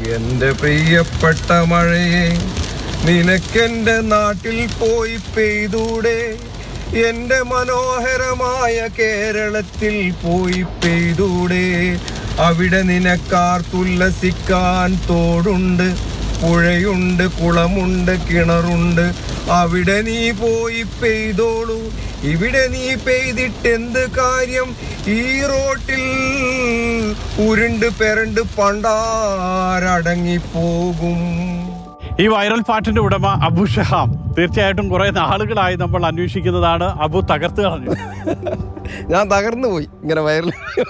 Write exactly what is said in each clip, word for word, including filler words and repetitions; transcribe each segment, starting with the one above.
എന്റെ പ്രിയപ്പെട്ട മഴയെ നിനക്കെന്റെ നാട്ടിൽ പോയി പെയ്തൂടെ, എന്റെ മനോഹരമായ കേരളത്തിൽ പോയി പെയ്തൂടെ. അവിടെ നിനക്കാർത്തുല്ലസിക്കാൻ തോടുണ്ട്, പുഴയുണ്ട്, കുളമുണ്ട്, കിണറുണ്ട്. അവിടെ നീ പോയി പെയ്തോളൂ, ഇവിടെ നീ പെയ്തിട്ടെന്ത് കാര്യം? ഈ റോട്ടിൽ ഉരുണ്ട് പെരണ്ട് പണ്ടാരടങ്ങിപ്പോകും. ഈ വൈറൽ പാട്ടിന്റെ ഉടമ അബു ഷഹാം. തീർച്ചയായിട്ടും കുറെ നാളുകളായി നമ്മൾ അന്വേഷിക്കുന്നതാണ്. അബു തകർത്ത് കളഞ്ഞു. ഞാൻ തകർന്നു പോയി ഇങ്ങനെ വൈറൽ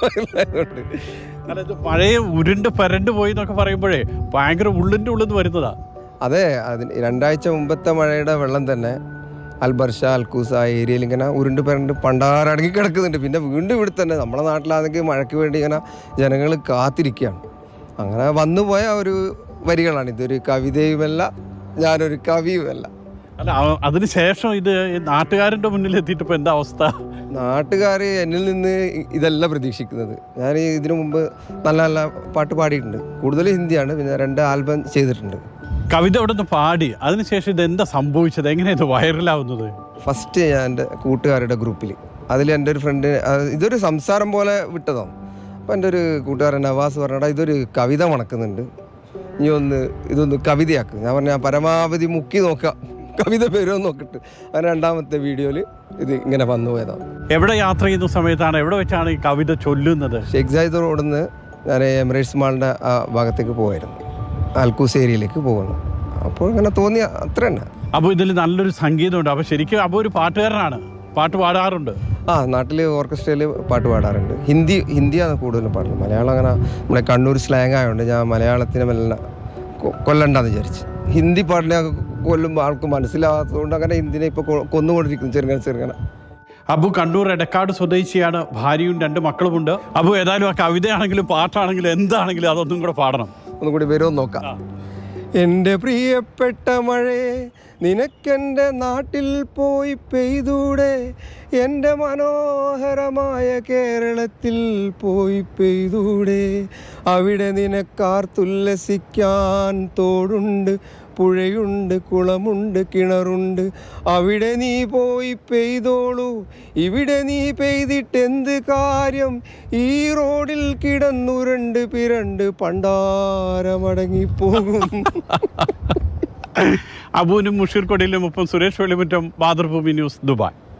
ഇത് പഴയ ഉരുണ്ട് പരണ്ട് പോയി എന്നൊക്കെ പറയുമ്പോഴേ ഭയങ്കര ഉള്ളിൻ്റെ ഉള്ളിൽ നിന്ന് വരുന്നതാ. അതെ, അതിന് രണ്ടാഴ്ച മുമ്പത്തെ മഴയുടെ വെള്ളം തന്നെ അൽബർഷ, അൽക്കൂസ ആ ഏരിയയിൽ ഇങ്ങനെ ഉരുണ്ട് പരണ്ട് പണ്ടാരടങ്ങി കിടക്കുന്നുണ്ട്. പിന്നെ വീണ്ടും ഇവിടെ തന്നെ നമ്മുടെ നാട്ടിലാണെങ്കിൽ മഴയ്ക്ക് വേണ്ടി ഇങ്ങനെ ജനങ്ങൾ കാത്തിരിക്കുകയാണ്. അങ്ങനെ വന്നുപോയ ഒരു വരികളാണ്. ഇതൊരു കവിതയുമല്ല, ഞാനൊരു കവിയുമല്ല. അല്ല, അതിന് ശേഷം ഇത് നാട്ടുകാരുടെ മുന്നിൽ എത്തിയിട്ട് ഇപ്പോൾ എന്താ അവസ്ഥ? നാട്ടുകാർ എന്നിൽ നിന്ന് ഇതല്ല പ്രതീക്ഷിക്കുന്നത്. ഞാൻ ഇതിനു മുമ്പ് നല്ല നല്ല പാട്ട് പാടിയിട്ടുണ്ട്. കൂടുതൽ ഹിന്ദിയാണ്. പിന്നെ രണ്ട് ആൽബം ചെയ്തിട്ടുണ്ട്. കവിത അവിടെ നിന്ന് പാടി, അതിനുശേഷം ഇത് എന്താ സംഭവിച്ചത്? എങ്ങനെയാണ് ഇത് വൈറലാവുന്നത്? ഫസ്റ്റ് ഞാൻ എൻ്റെ കൂട്ടുകാരുടെ ഗ്രൂപ്പിൽ, അതിൽ എൻ്റെ ഒരു ഫ്രണ്ട്, ഇതൊരു സംസാരം പോലെ വിട്ടതാണ്. അപ്പോൾ എൻ്റെ ഒരു കൂട്ടുകാരൻ നവാസ് പറഞ്ഞാൽ ഇതൊരു കവിത മണക്കുന്നുണ്ട്, ഇനി ഒന്ന് ഇതൊന്ന് കവിതയാക്കും. ഞാൻ പറഞ്ഞാൽ പരമാവധി മുക്കി നോക്കാം, കവിത പേരോ നോക്കിട്ട്. അങ്ങനെ രണ്ടാമത്തെ വീഡിയോയിൽ ഇത് ഇങ്ങനെ വന്നു പോയതാണ്. എവിടെ യാത്ര ചെയ്യുന്ന സമയത്താണ്, എവിടെ വെച്ചാണ് ഈ കവിത ചൊല്ലുന്നത്? ഷേഖ് സായിദ് റോഡിൽ നിന്ന് ഞാൻ എമിറേറ്റ്സ് മാളിൻ്റെ ആ ഭാഗത്തേക്ക് പോകുമായിരുന്നു, അൽക്കൂസ് ഏരിയയിലേക്ക് പോകുന്നു. അപ്പോൾ ഇങ്ങനെ തോന്നിയ അത്ര തന്നെ. അപ്പോൾ ഇതിൽ നല്ലൊരു സംഗീതമുണ്ട്. അപ്പോൾ ശരിക്കും അപ്പോൾ ഒരു പാട്ടുകാരനാണ്, പാട്ട് പാടാറുണ്ട്. ആ, നാട്ടിൽ ഓർക്കസ്ട്രയിൽ പാട്ട് പാടാറുണ്ട്. ഹിന്ദി ഹിന്ദിയാണ് കൂടുതലും പാടുന്നത്. മലയാളം അങ്ങനെ നമ്മുടെ കണ്ണൂർ സ്ലാങ് ആയതുകൊണ്ട് ഞാൻ മലയാളത്തിനെ മെല്ലെ കൊല്ലണ്ടെന്ന് വിചാരിച്ച്. ഹിന്ദി പാട്ടിനെ കൊല്ലുമ്പോൾ ആൾക്ക് മനസ്സിലാകാത്തതുകൊണ്ട് അങ്ങനെ ഹിന്ദിനെ ഇപ്പോൾ കൊന്നുകൊണ്ടിരിക്കുന്നു ചെറുങ്ങനെ ചെറുങ്ങനെ. അബു കണ്ണൂർ എടക്കാട് സ്വദേശിയാണ്, ഭാര്യയും രണ്ട് മക്കളുമുണ്ട്. അബു ഏതായാലും ആ കവിതയാണെങ്കിലും പാട്ടാണെങ്കിലും എന്താണെങ്കിലും അതൊന്നും കൂടെ പാടണം. ഒന്നും കൂടി വരുമോ നോക്കാം. എൻ്റെ പ്രിയപ്പെട്ട മഴയെ നിനക്കെൻ്റെ നാട്ടിൽ പോയി പെയ്തൂടെ, എൻ്റെ മനോഹരമായ കേരളത്തിൽ പോയി പെയ്തൂടെ. അവിടെ നിനക്കാർത്തുല്ലസിക്കാൻ തോടുണ്ട്, പുഴയുണ്ട്, കുളമുണ്ട്, കിണറുണ്ട്. അവിടെ നീ പോയി പെയ്തോളൂ, ഇവിടെ നീ പെയ്തിട്ടെന്ത് കാര്യം? ഈ റോഡിൽ കിടന്നുരുണ്ട് പിരണ്ട് പണ്ടാരമടങ്ങിപ്പോകും. അബുവിനും മുഷീർ കൊടിയിലും ഒപ്പം സുരേഷ് വെളിമുറ്റം, മാതൃഭൂമി ന്യൂസ്, ദുബായ്.